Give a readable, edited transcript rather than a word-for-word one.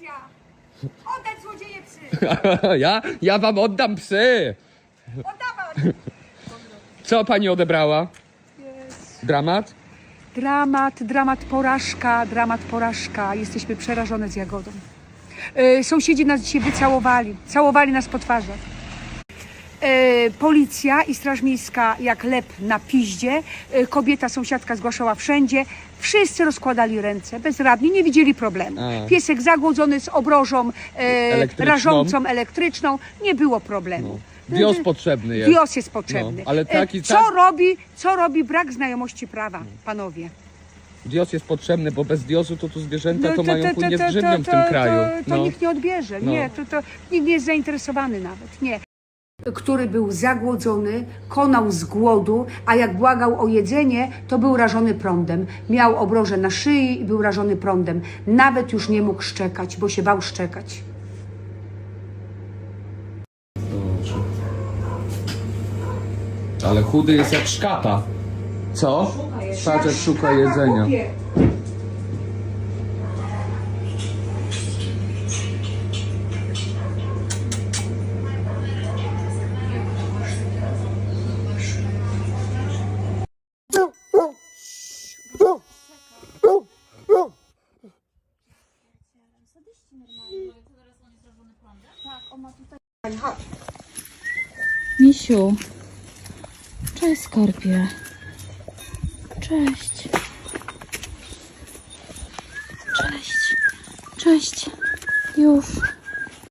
policja! Oddać złodzieje psy! Ja wam oddam psy. Oddawać! Co pani odebrała? Dramat? Dramat, porażka. Jesteśmy przerażone z Jagodą. Sąsiedzi nas dzisiaj wycałowali. Całowali nas po twarzach. Policja i Straż Miejska jak lep na piździe. Kobieta, sąsiadka zgłaszała wszędzie. Wszyscy rozkładali ręce, bezradni, nie widzieli problemu. Piesek zagłodzony z obrożą rażącą, elektryczną. Nie było problemu. Wios potrzebny jest. Wios jest potrzebny. No, ale taki, Co robi brak znajomości prawa, panowie? Wios jest potrzebny, bo bez wiosu to tu zwierzęta to mają płynie z grzywnią w tym kraju. To nikt nie odbierze. Nie, to nikt nie jest zainteresowany nawet. Nie. Który był zagłodzony, konał z głodu, a jak błagał o jedzenie, to był rażony prądem. Miał obroże na szyi i był rażony prądem. Nawet już nie mógł szczekać, bo się bał szczekać. Ale chudy jest jak szkapa. Co? Patrz, jak szuka jedzenia. Misiu. Cześć, skarbie. Cześć. Cześć. Cześć. Już.